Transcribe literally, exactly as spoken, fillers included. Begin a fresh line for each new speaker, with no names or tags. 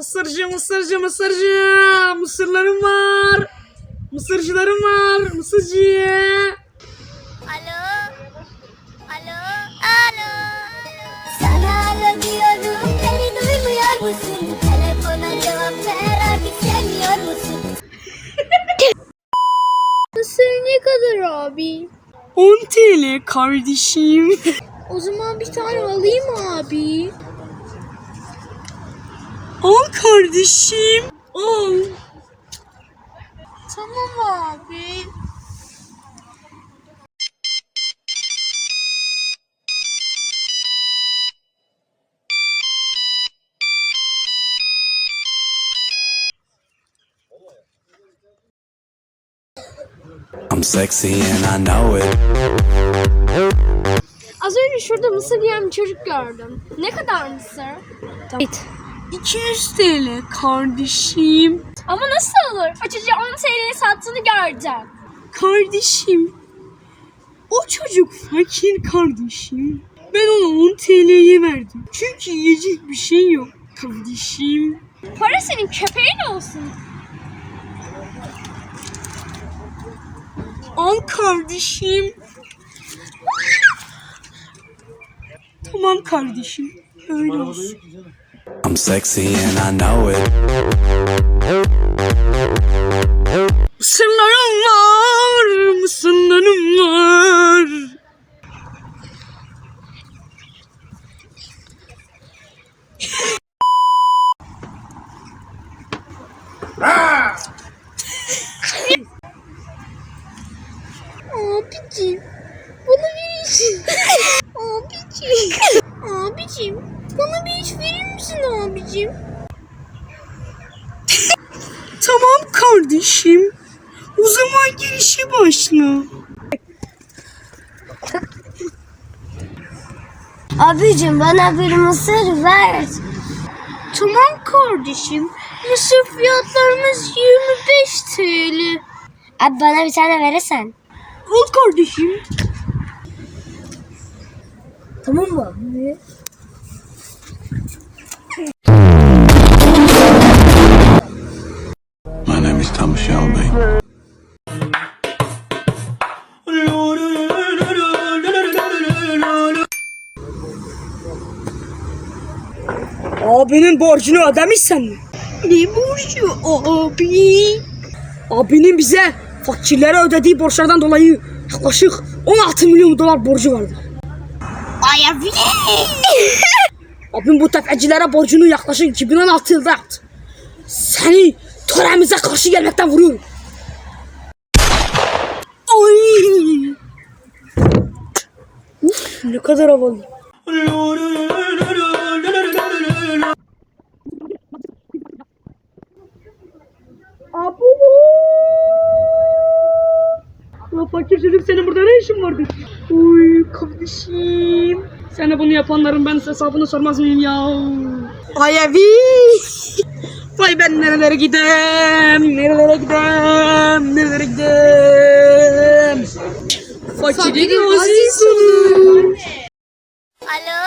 Mısırcı, mısırcı, mısırcı. Mısırlarım var. Mısırcılarım var. Mısırcı.
Alo. Alo. Alo. Sana alo diyorum. Beni duymuyor musun? Telefona cevap ver artık sevmiyor musun? Mısır ne kadar abi?
on TL kardeşim.
O zaman bir tane alayım abi.
Al kardeşim. Al.
Tamam abi.
I'm sexy and I know it.
Az önce şurada mısır yiyen bir çocuk gördüm. Ne kadar mısır? Evet.
iki yüz TL kardeşim.
Ama nasıl olur? O çocuğa on T L'ye sattığını göreceğim.
Kardeşim. O çocuk fakir kardeşim. Ben ona on T L'ye verdim. Çünkü yiyecek bir şey yok kardeşim.
Para senin köpeğin olsun.
Al kardeşim. Tamam kardeşim. Öyle olsun.
I'm sexy and I know it.
Mısırlarım var. Mısırlarım var.
Abicim. Bana bir iş. Abicim. Abicim. Bana bir iş verir misin abicim?
Tamam kardeşim. O zaman girişe başla.
Abicim bana bir mısır ver.
Tamam kardeşim.
Mısır fiyatlarımız yirmi beş T L. Abi bana bir tane verirsen.
Al kardeşim.
Tamam mı abi?
My name is Thomas Shelby.
Abinin borcunu ödemişsen mi? Ne borcu abi? Abinin bize fakirlere ödediği borçlardan dolayı yaklaşık on altı milyon dolar borcu vardı.
Ay abi.
Abim bu tefecilere borcunu yaklaşık iki bin on altı yılda yaptı. Seni töremize karşı gelmekten vuruyorum. Ay! Uf, ne kadar havalı. Abu! Ya fakir çocuk, senin burada ne işin vardı? Uy kardeşim. Sana bunu yapanların ben hesabını sormaz mıyım ya? Ay evi. Vay ben nerelere gidem, nerelere gidem, nerelere gidem. Fakirin aziz sonu.
Alo.